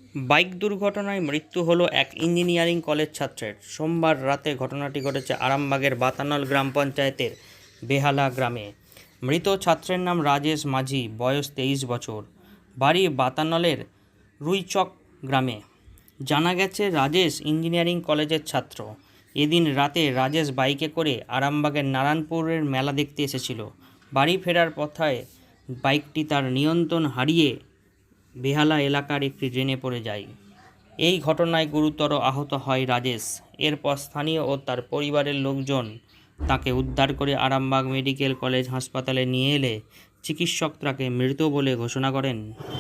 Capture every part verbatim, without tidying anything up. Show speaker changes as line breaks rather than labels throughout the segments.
Bike দুর্ঘটনায় মৃত্যু হলো এক ইঞ্জিনিয়ারিং কলেজ ছাত্রের। সোমবার রাতে ঘটনাটি ঘটেছে আরামবাগের বাতানল গ্রাম পঞ্চায়েতের বেহালা গ্রামে। মৃত ছাত্রের নাম রাজেশ মাঝি, বয়স তেইশ বছর, বাড়ি বাতানলের রুইচক গ্রামে। জানা গেছে, রাজেশ ইঞ্জিনিয়ারিং কলেজের ছাত্র। এদিন রাতে রাজেশ বাইকে করে আরামবাগের নারায়ণপুরের মেলা দেখতে এসেছিল। বাড়ি ফেরার পথে বাইকটি তার নিয়ন্ত্রণ হারিয়ে বেহালা এলাকার একটি ড্রেনে পড়ে যায়। এই ঘটনায় গুরুতর আহত হয় রাজেশ। এরপর স্থানীয় ও তার পরিবারের লোকজন তাকে উদ্ধার করে আরামবাগ মেডিকেল কলেজ হাসপাতালে নিয়ে এলে চিকিৎসক তাকে মৃত বলে ঘোষণা করেন।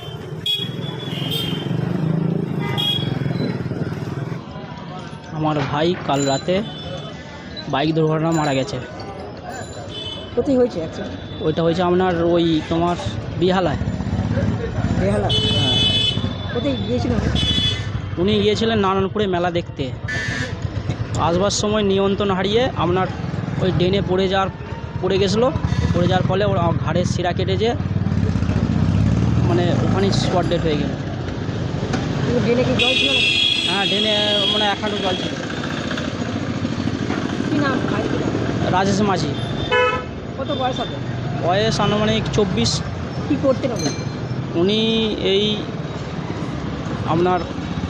আমার ভাই কাল রাতে বাইক দুর্ঘটনা মারা গেছে।
কোথায় হয়েছে অ্যাক্সিডেন্ট?
ওইটা হয়েছে আপনার ওই তোমার বেহালায়।
বেহালা?
হ্যাঁ।
কোথায় গিয়েছিলেন?
উনি গিয়েছিলেন নারায়ণপুরে মেলা দেখতে। আসবার সময় নিয়ন্ত্রণ হারিয়ে আপনার ওই ড্রেনে পড়ে যাওয়ার পড়ে গেছিলো। পড়ে যাওয়ার ফলে ওর ঘাড়ের শিরা কেটে যে মানে ওখানেই স্পট ডেড হয়ে গেল।
ড্রেনে কি জল ছিল?
হ্যাঁ, ড্রেনে মানে এক হাঁটু জল ছিল।
কী নাম? ভাই কী নাম?
রাজেশ মাঝি।
কত বয়স হবে?
বয়স আনুমানিক চব্বিশ।
কী করতেন উনি?
উনি এই আপনার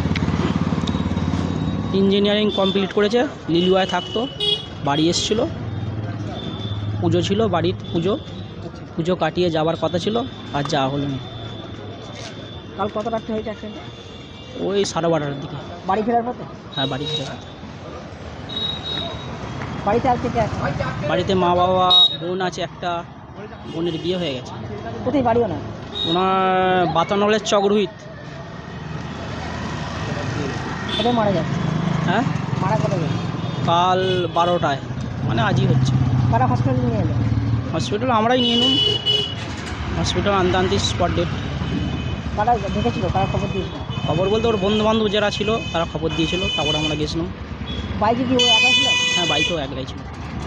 ইঞ্জিনিয়ারিং কমপ্লিট করেছে, লিলুয়ায় থাকতো। বাড়ি এসেছিলো, পুজো ছিল বাড়ির, পুজো পুজো কাটিয়ে যাওয়ার কথা ছিল, আর যাওয়া হলো না।
কাল কত রাত্রে হয়েছে অ্যাক্সিডেন্টটা?
ওই সাড়ে বারোটার দিকে।
বাড়ি ফেরার পথে?
হ্যাঁ, বাড়ি ফেরা।
বাড়িতে আর কে কে আছে?
বাড়িতে মা বাবা, বোন আছে একটা, বোনের বিয়ে হয়ে গেছে।
কোথায় বাড়িও না?
ওনার বাতানলের চকরুহিত।
কোথায় মারা যাচ্ছে?
হ্যাঁ,
মারা কোথায় যাচ্ছে?
কাল বারোটায়, মানে আজই হচ্ছে।
কারা হসপিটালে নিয়ে এলো?
হসপিটাল আমরাই নিয়ে নিন। হসপিটাল আনতে আনতে স্পট ডেট।
কারা দেখেছিল? কারা খবর দিয়েছিল?
খবর বলতে ওর বন্ধু বান্ধব যারা ছিল তারা খবর দিয়েছিল, তারপরে আমরা গেছিলাম।
বাইকে কি ও একা ছিল?
হ্যাঁ, বাইকেও একলাই ছিল।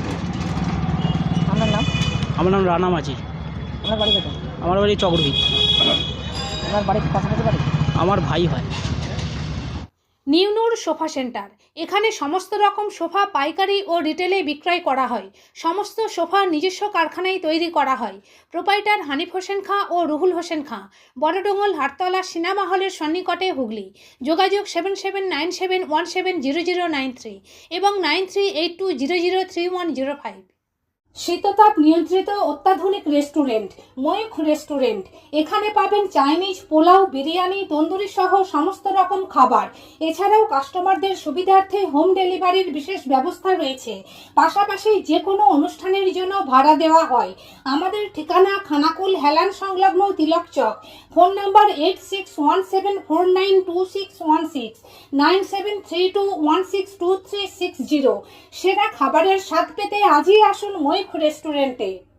আপনার নাম?
আমার নাম রানা মাঝি।
আপনার বাড়ি কোথায়?
আমার বাড়ি চকরভিত।
আপনার বাড়ির পাশাপাশি বাড়ি?
আমার ভাই হয়।
নিউনুর সোফা সেন্টার। এখানে সমস্ত রকম সোফা পাইকারি ও রিটেলে বিক্রয় করা হয়। সমস্ত সোফা নিজস্ব কারখানায় তৈরি করা হয়। প্রোপাইটার হানিফ হোসেন খাঁ ও রুহুল হোসেন খাঁ, বড়ডোঙ্গল হাটতলা সিনেমা হলের সন্নিকটে, হুগলি। যোগাযোগ seven seven nine seven one seven zero zero nine three এবং nine three eight two zero zero three one zero five. শীততাপ নিয়ন্ত্রিত অত্যাধুনিক রেস্টুরেন্ট ময়ূখ রেস্টুরেন্ট। এখানে পাবেন চাইনিজ, পোলাও, বিরিয়ানি, তন্দুরি সহ সমস্ত রকম খাবার। এছাড়াও কাস্টমারদের সুবিধার্থে হোম ডেলিভারির বিশেষ ব্যবস্থা রয়েছে। পাশাপাশি যে কোনো অনুষ্ঠানের জন্য ভাড়া দেওয়া হয়। আমাদের ঠিকানা খানাকুল হেলান সংলগ্ন Tilak Chak. Phone number eight six one seven four nine two six one six nine seven three two one six two three six zero. সেরা খাবারের স্বাদ পেতে আজই আসুন ময়ূখ রেস্টুরেন্টে।